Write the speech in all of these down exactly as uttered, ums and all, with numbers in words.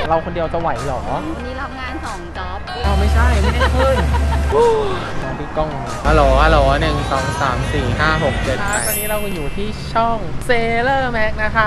เราคนเดียวจะไหวหรอวันนี้รับงานสองจ็อบเอาไม่ใช่ไม่ได้ขึ้นลองดูกล้องฮัลโหลฮัลโหลหนึ่งสองสามสี่ห้าหกเจ็ดแปดตอนนี้เราอยู่ที่ช่องเซเลอร์แม็กนะคะ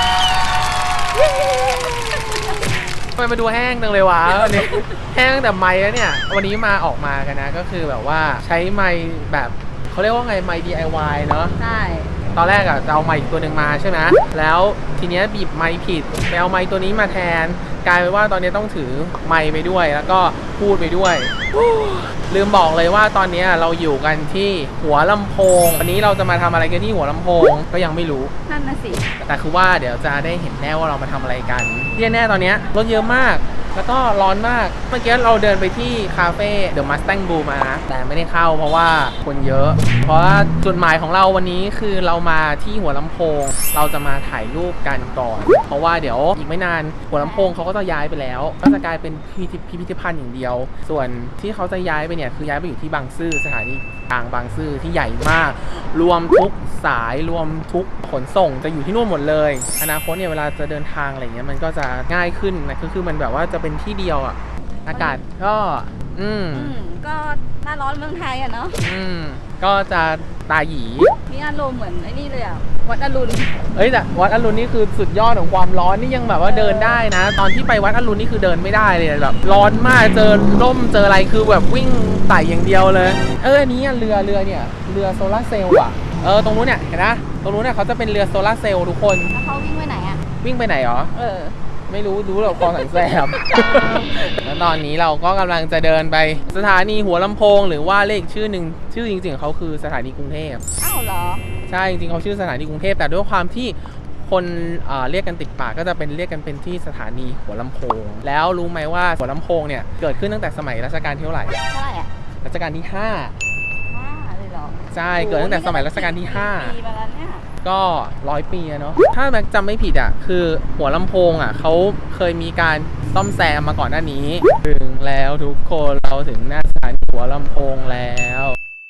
ทำไมมาดูแห้งจังเลยวะวันนี้แห้งแต่ไมค์แล้วเนี่ยวันนี้มาออกมากันนะก็คือแบบว่าใช้ไมค์แบบเขาเรียกว่าไงไมค์ ดี ไอ วาย เนอะใช่ตอนแรกอะจะเอาไมค์ตัวหนึ่งมาใช่ไหมแล้วทีเนี้ยบีบไมค์ผิดไปเอาไมค์ตัวนี้มาแทนกลายเป็นว่าตอนนี้ต้องถือไมค์ไปด้วยแล้วก็พูดไปด้วยลืมบอกเลยว่าตอนนี้เราอยู่กันที่หัวลำโพงวันนี้เราจะมาทำอะไรกันที่หัวลำโพงก็ยังไม่รู้นั่นน่ะสิแต่คือว่าเดี๋ยวจะได้เห็นแน่ว่าเรามาทำอะไรกันที่แน่ตอนนี้รถเยอะมากแล้วก็ร้อนมากเมื่อกี้เราเดินไปที่คาเฟ่เดอะมัสแตงบูมานะแต่ไม่ได้เข้าเพราะว่าคนเยอะเพราะว่าจุดหมายของเราวันนี้คือเรามาที่หัวลำโพงเราจะมาถ่ายรูปกันก่อนเพราะว่าเดี๋ยวอีกไม่นานหัวลำโพงเขาก็จะย้ายไปแล้วก็จะกลายเป็นพิพิธภัณฑ์อย่างเดียวส่วนที่เขาจะย้ายไปเนี่ยคือย้ายไปอยู่ที่บางซื่อสถานีกลางบางซื่อที่ใหญ่มากรวมทุกสายรวมทุกขนส่งจะอยู่ที่นู่นหมดเลยอนาคตเนี่ยเวลาจะเดินทางอะไรเงี้ยมันก็จะง่ายขึ้นนะคือคือมันแบบว่าจะเป็นที่เดียวอ่ะอากาศก็อืมก็หน้าร้อนเมืองไทยอ่ะเนาะอืมก็จะตาหยีมีอารมณ์เหมือนไอ้นี่เลยอ่ะวัดอรุณเอ้ยแต่วัดอรุณนี่คือสุดยอดของความร้อนนี่ยังแบบว่าเดินได้นะตอนที่ไปวัดอรุณนี่คือเดินไม่ได้เลยแบบร้อนมากเจอร่มเจออะไรคือแบบวิ่งไต่อย่างเดียวเลยเอออันนี้เรือเรือเนี่ยเรือโซลาร์เซลล์อ่ะเออตรงนู้นเนี่ยเห็นนะตรงนู้นเนี่ยเขาจะเป็นเรือโซลาร์เซลล์ทุกคนแล้วเขาวิ่งไปไหนอ่ะวิ่งไปไหนหรอเออไม่รู้รู้เราคลองแสนแสบแล้วตอนนี้เราก็กำลังจะเดินไปสถานีหัวลำโพงหรือว่าเลขชื่อหนึ่งชื่อจริงๆเขาคือสถานีกรุงเทพอ้าวเหรอใช่จริงๆเขาชื่อสถานีกรุงเทพแต่ด้วยความที่คนเรียกกันติดปากก็จะเป็นเรียกกันเป็นที่สถานีหัวลำโพงแล้วรู้ไหมว่าหัวลำโพงเนี่ยเกิดขึ้นตั้งแต่สมัยรัชกาลที่เท่าไหร่เท่าไหร่อะรัชกาลที่ห้าห้าเลยเหรอใช่เกิดตั้งแต่สมัยรัชกาลที่ห้าปีมาแล้วเนี่ยก็ร้อยปีเนาะถ้าแม็กจำไม่ผิดอ่ะคือหัวลำโพงอ่ะเขาเคยมีการซ่อมแซมมาก่อนหน้านี้ถึงแล้วทุกคนเราถึงหน้าสถานีหัวลำโพงแล้ว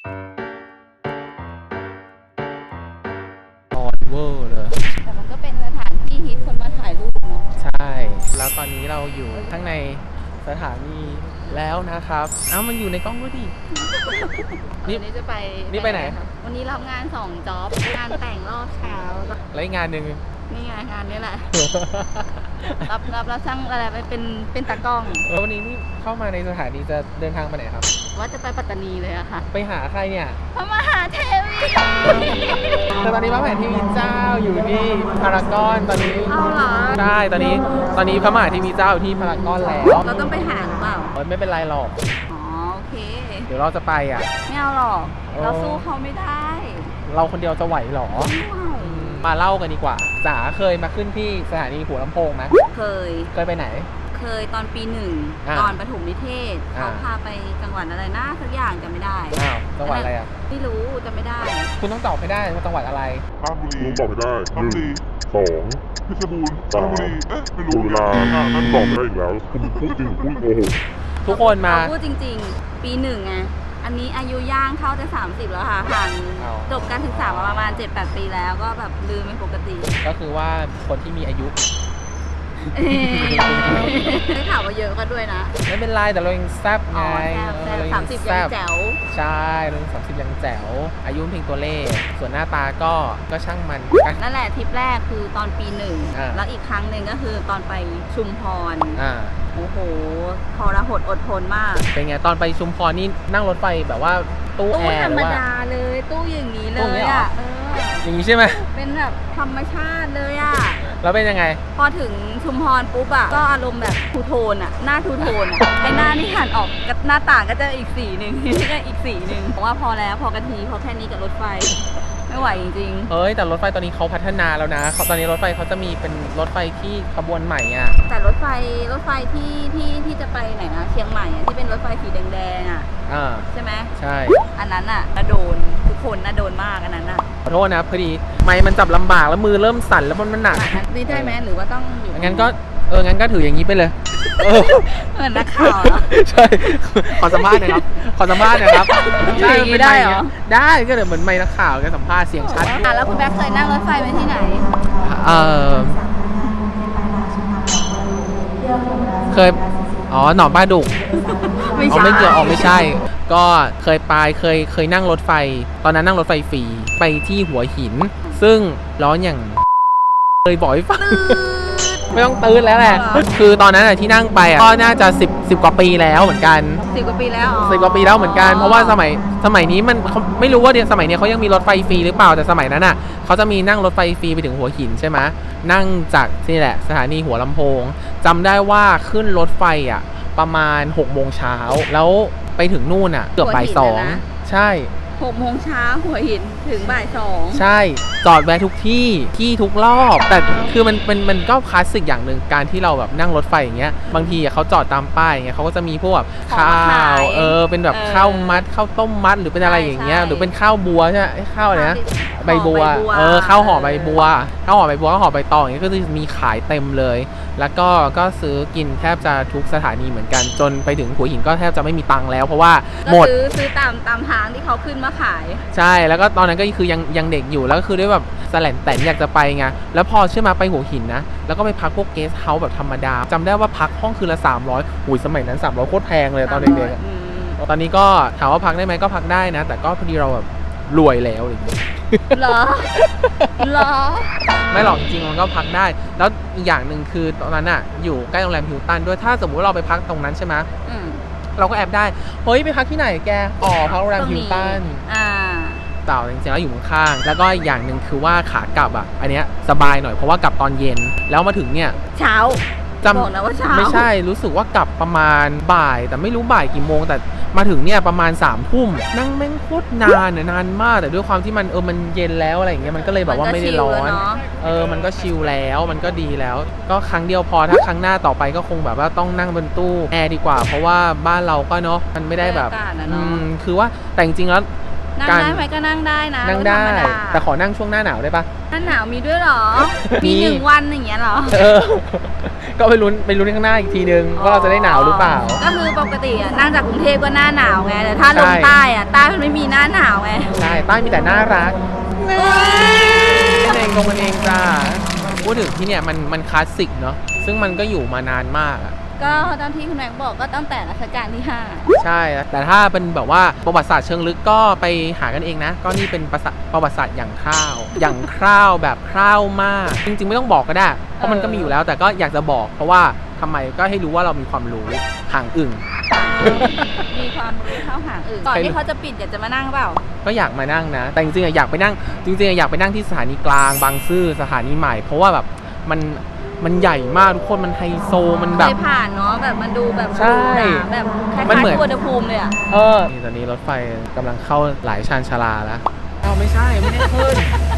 ตอนเวอร์เลยแต่มันก็เป็นสถานที่ฮิตคนมาถ่ายรูปเนาะใช่แล้วตอนนี้เราอยู่ข้างในสถานีแล้วนะครับเอ้ามันอยู่ในกล้องด้วยดินี่จะไปนี่ไปไหนวันนี้รับงานสองจ็อบงานแต่งรอบเช้าแล้วอีกงานหนึ่งนี่ไงงานนี้แหละรับรับแล้วช่างอะไรไปเป็นเป็นตากล้องแล้ววันนี้นี่เข้ามาในสถานีจะเดินทางไปไหนครับว่าจะไปปัตตานีเลยอะค่ะไปหาใครเนี่ยพระมหาเทวีแต่ตอนนี้พระมหาเทวีเจ้าอยู่ที่พารากอนตอนนี้เอาเหรอใช่ตอนนี้ตอนนี้พระมหาเทวีเจ้าอยู่ที่พารากอนแล้วเราต้องไปหาหรือเปล่าไม่เป็นไรหรอกอ๋อโอเคเดี๋ยวเราจะไปอ่ะไม่เอาหรอกเราสู้เขาไม่ได้เราคนเดียวจะไหวหรอมาเล่ากันดีกว่าจ๋าเคยมาขึ้นที่สถานีหัวลำโพงไหมเคยเคยไปไหนเคยตอนปีหนึ่งตอนประถมนิเทศเขาพาไปจังหวัดอะไรนะสักอย่างจำไม่ได้อ้าวจังหวัดอะไรอ่ะไม่รู้จำไม่ได้คุณต้องตอบให้ได้ว่าจังหวัดอะไรราชบุรีตอบไม่ได้หนึ่งสองเพชรบูรณ์สามเอ๊ะไม่รู้เวลานั่นตอบไม่ได้อีกแล้วคุณพูดจริงพูดโกหกทุกคนมาพูดจริงๆปีหนึ่งไงอันนี้อายุย่างเข้าจะสามสิบแล้วค่ะห่างจบการศึกษามาประมาณ เจ็ดแปด ปีแล้วก็แบบลืมเป็นปกติก็คือว่าคนที่มีอายุได้ข่าวว่าเยอะก็ด้วยนะไม่เป็นไรแต่เรายังแซ่บไงสามสิบยังแจ๋วใช่เราสามสิบยังแจ๋วอายุเพียงตัวเลขส่วนหน้าตาก็ก็ช่างมันนั่นแหละทริปแรกคือตอนปีหนึ่งแล้วอีกครั้งหนึ่งก็คือตอนไปชุมพรโอ้โหทรหดอดทนมากเป็นไงตอนไปชุมพรนี่นั่งรถไฟแบบว่าตู้แอร์ธรรมดาเลยตู้อย่างนี้เลยอ่ะอย่างนี้ใช่ไหมเป็นแบบธรรมชาติเลยอ่ะแล้วเป็นยังไงพอถึงชุมพรปุ๊บอ่ะก็อารมณ์แบบทูโทนอ่ะหน้าทูโทนอ่ะไอหน้านี่หันออกกับหน้าต่างก็จะอีกสีหนึ่งนี่ก็อีกสีหนึ่งบอกว่าพอแล้วพอกันทีพอแค่นี้กับรถไฟไม่ไหวจริงๆเฮ้ยแต่รถไฟตอนนี้เขาพัฒนาแล้วนะตอนนี้รถไฟเขาจะมีเป็นรถไฟที่ขบวนใหม่อ่ะแต่รถไฟรถไฟที่ที่ที่จะไปไหนนะเชียงใหม่อ่ะที่เป็นรถไฟสีแดงๆอ่ะใช่ไหมใช่อันนั้นอ่ะน่าโดนทุกคนน่าโดนมากอันนั้นอ่ะขอโทษนะพอดีไม้มันจับลำบากแล้วมือเริ่มสั่นแล้วมันมันหนักนี่ได้ไหมหรือว่าต้องอยู่งั้นก็เอองั้นก็ถืออย่างนี้ไปเลยเหมือนนักข่าวใช่ขอสัมภาษณ์หน่อยครับขอสัมภาษณ์หน่อยครับได้ได้เหรอได้ก็เดี๋ยวเหมือนไม่นักข่าวกันสัมภาษณ์เสียงชัดอ่ะแล้วคุณแบ๊กเคยนั่งรถไฟไปที่ไหนเออเคยอ๋อหนองปลาดุกไม่อ๋อใช่ไม่เกี่ยวออกไม่ใช่ ก็เคยไปเคยเคยนั่งรถไฟ ตอนนั้นนั่งรถไฟฟรีไปที่หัวหิน ซึ่งร้อนอย่างเคยบอกให้ฟัง ไม่ต้องตื้นแล้วแหละ คือตอนนั้นอะที่นั่งไปอะก็น่าจะสิบ สิบกว่าปีแล้วเหมือนกันสิบกว่าปีแล้วอ๋อสิบกว่าปีแล้วเหมือนกัน เพราะว่าสมัยสมัยนี้มันเขาไม่รู้ว่าเดี๋ยวสมัยนี้เขายังมีรถไฟฟรีหรือเปล่า แต่สมัยนั้นอ่ะเขาจะมีนั่งรถไฟฟรีไปถึงหัวหินใช่ไหมนั่งจากนี่แหละสถานีหัวลำโพงจำได้ว่าขึ้นรถไฟอ่ะประมาณหกโมงเช้าแล้วไปถึงนู่นอ่ะเกือบบ่ายสองใช่หกโมงเช้าหัวหินถึงบ่ายสองใช่จอดแวะทุกที่ที่ทุกรอบ แต่คือมันมันมันก็คลาสสิกอย่างหนึ่งการที่เราแบบนั่งรถไฟอย่างเงี้ยบางทีเขาจอดตามป้ายอย่างเงี้ยเขาก็จะมีพวกแบบข้าวเออเป็นแบบข้าวมัดข้าวต้มมัดหรือเป็นอะไรอย่างเงี้ยหรือเป็นข้าวบัวใช่ไหมข้าวอะไรนะใบบัวเออข้าวห่อใบบัวข้าวห่อใบบัวข้าวห่อใบตองอย่างเงี้ยก็จะมีขายเต็มเลย แล้วก็ก็ซื้อกินแทบจะทุกสถานีเหมือนกันจนไปถึงหัวหินก็แทบจะไม่มีตังค์แล้วเพราะว่าหมดก็ซื้อซื้อตามตามทางที่เขาขึ้นมาขายใช่แล้วก็ตอนนั้นก็คือยังยังเด็กอยู่แล้วก็คือด้วยแบบแสลนแต่อยากจะไปไงแล้วพอเชื่อมาไปหัวหินนะแล้วก็ไปพักพวกเกสต์เฮาส์แบบธรรมดาจำได้ว่าพักห้องคืนละสามร้อยอุ้ยสมัยนั้นสามร้อยโคตรแพงเลยตอนเด็กๆอะอืมตอนนี้ก็ถามว่าพักได้ไหมก็พักได้นะ แต่ก็พอดีเราแบบรวยแล้วอะไรอย่างเงี้ยเหรอเหรอไม่หรอกจริงๆมันก็พักได้ แล้วอีกอย่างหนึ่งคือตอนนั้นอะอยู่ใกล้โรงแรมฮิลตันด้วยถ้าสมมุติว่าเราไปพักตรงนั้นใช่ไหมอืมเราก็แอบได้เฮ้ยไปพักที่ไหนแกอ๋อพักโรงแรมฮิลตันอ่าเต่าจริงๆแล้วอยู่ข้างๆแล้วก็อีกอย่างหนึ่งคือว่าขากลับอ่ะอันเนี้ยสบายหน่อยเพราะว่ากลับตอนเย็นแล้วมาถึงเนี่ยเช้าจบอกนะว่าเช้าำไม่ใช่รู้สึกว่ากลับประมาณบ่าย แต่ไม่รู้บ่ายกี่โมง แต่มาถึงเนี่ยประมาณสามทุ่มนั่งแม่งโคตรนานเนี่ยนานมากแต่ด้วยความที่มันเออมันเย็นแล้วอะไรอย่างเงี้ยมันก็เลยแบบว่าไม่ได้ร้อนมันก็ชิลแล้วเนอะเออมันก็ชิลแล้วมันก็ดีแล้ว ก็ครั้งเดียวพอถ้าครั้งหน้าต่อไปก็คงแบบว่าต้องนั่งบนตู้แอร์ดีกว่า เพราะว่าบ้านเราก็เนาะมันไม่ได้แบบบรรยากาศอะอืเนาะมคือว่าแต่จริงๆแล้วนั่งการได้ไหมก็นั่งได้นะนั่งได้ธรรมดาแต่ขอนั่งช่วงหน้าหนาวได้ปะหน้าหนาวมีด้วยเหรอมีมีหนึ่งวันอย่างเงี้ยเหรอเออ ก็ไปลุ้นไปลุ้นข้างหน้าอีกทีนึงว่าเราจะได้หนาวหรือเปล่าก็คือปกติอะนั่งจากกรุงเทพก็หน้าหนาวไงแต่ถ้าลงใช่ใต้อะใต้มันไม่มีหน้าหนาวไงใช่ใต้มีแต่น่ารักเองตรงมันเองจ้าพูดถึงที่เนี่ยมันมันคลาสสิกเนาะซึ่งมันก็อยู่มานานมากอะก็ตามที่คุณแม็กบอกก็ตั้งแต่รัชกาลที่ห้าใช่ แต่ถ้าเป็นแบบว่าประวัติศาสตร์เชิงลึกก็ไปหากันเองนะ ก็นี่เป็นประวัติประวัติศาสตร์อย่างคร่าว อย่างคร่าวแบบคร่าวมาก จริงๆไม่ต้องบอกก็ได้ เพราะมันก็มีอยู่แล้ว แต่ก็อยากจะบอก เพราะว่าทำไมก็ให้รู้ว่าเรามีความรู้ห่างอึ่งมีความรู้เท่าหางอื่นก่อนที่เขาจะปิดอยากจะมานั่งเปล่าก็อยากมานั่งนะ แต่จริงๆอะอยากไปนั่ง จริงๆอะอยากไปนั่งที่สถานีกลางบางซื่อสถานีใหม่ เพราะว่าแบบมันมันใหญ่มากทุกคนมันไฮโซมันแบเคบยผ่านเนาะแบบมันดูแบบใช่หรูหราแบบคล้ายมันเหมือนๆสุวรรณภูมิเลยอะเออนี่ตอนนี้รถไฟกำลังเข้าหลายชานชาลาแล้วเอาไม่ใช่ไม่ได้ขึ้น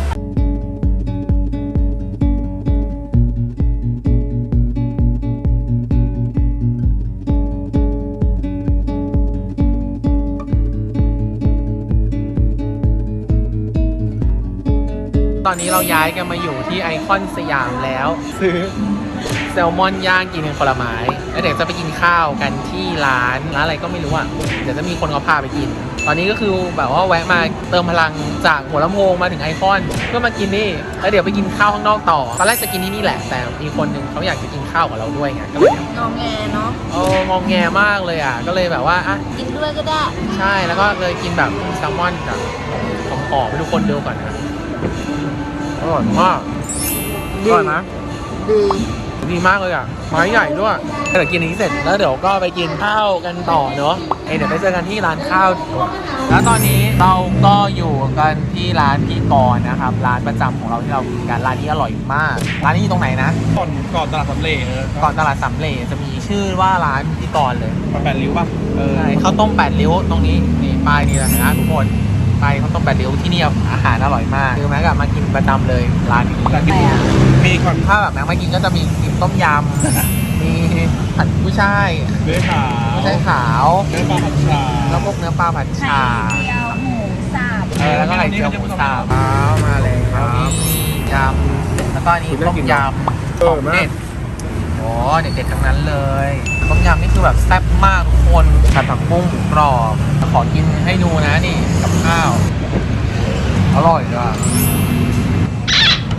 ตอนนี้เราย้ายกันมาอยู่ที่ไอคอนสยามแล้ว ซื้อแซลมอนย่างกินเป็นผลไม้แล้วเดี๋ยวจะไปกินข้าวกันที่ร้านร้านอะไรก็ไม่รู้อ่ะเดี๋ยวจะมีคนเขาพาไปกิน ตอนนี้ก็คือแบบว่าแวะมาเติมพลังจากหัวลำโพงมาถึงไอคอนเพื่อมากินนี่แล้วเดี๋ยวไปกินข้าวข้างนอกต่อตอนแรกจะกินที่นี่แหละแต่มีคนหนึ่งเขาอยากจะกินข้าวกับเราด้วยไงก็เลยงอแงเนาะโอ้งองแงมากเลยอ่ะก็เลยแบบว่าอ่ะกินด้วยก็ได้ใช่แล้วก็เลยกินแบบแซลมอนกับของหอมให้ทุกคนดูก่อนนะอร่อยมากอร่อยไหมดีดีมากเลยอ่ะไม้ใหญ่ด้วยเดี๋ยวกินอันนี้เสร็จแล้วเดี๋ยวก็ไปกินข้าวกันต่อเนาะเอ้ยเดี๋ยวไปเจอกันที่ร้านข้าวดีกว่าแล้วตอนนี้เราก็อยู่กันที่ร้านพี่กรณ์นะครับร้านประจำของเราที่เรากินกันร้านนี้อร่อยมากร้านนี้อยู่ตรงไหนนะก่อนก่อนตลาดสำเร็จเออก่อนตลาดสำเร็จจะมีชื่อว่าร้านพี่กรณ์เลยมาแปดริ้วป่ะเออใช่ข้าวต้มแปดริ้วตรงนี้นี่ป้ายนี่แหละนะทุกคนไปข้าวต้มแปดริ้วที่นี่อาหารอร่อยมากคือแม็กอะมากินประจำเลยร้านนี้แต่กินมีก่อนถ้าแบบแม็กมากินก็จะมีกินต้มยำ มีผัดกุ้ยช่ายเนื้อขาวกุ้ยช่ายขาวเนื้อปลาผัดชาแล้วพวกเนื้อปลาผัดไข่ชาเจียวหมูสับเออแล้วก็ไข่เจียวหมูสับครับมาเลยครับยำแล้วก็อันนี้ต้มยำของเด็ดโอ้เด็ดๆทั้งนั้นเลยต้มยำนี่คือแบบแซ่บมากทุกคนผัดผักบุ้งหมูกรอบขอกินให้ดูนะนี่กับข้าวอร่อยอ่ะ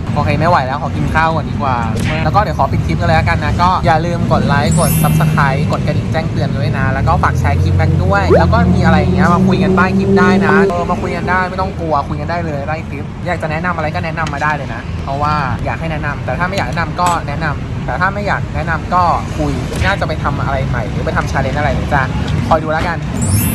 โอเคไม่ไหวแล้วขอกินข้าวก่อนดีกว่า แล้วก็เดี๋ยวขอปิดคลิปกันเลยแล้วกันนะก็อย่าลืมกดไลค์กด ซับสไครบ์ กดกระดิ่งแจ้งเตือนด้วยนะแล้วก็ฝากแชร์คลิปกันด้วย แล้วก็มีอะไรอย่างเงี้ยมาคุยกันใต้คลิปได้นะเออมาคุยกันได้ไม่ต้องกลัวคุยกันได้เลยใต้คลิปอยากจะแนะนำอะไรก็แนะนำมาได้เลยนะเพราะว่าอยากให้แนะนำแต่ถ้าไม่อยากแนะนำก็แนะนำแต่ถ้าไม่อยากแนะนำก็คุยน่าจะไปทำอะไรใหม่หรือไปทำชาเลนจ์อะไรเดี๋ยวจะคอยดูแล้วกัน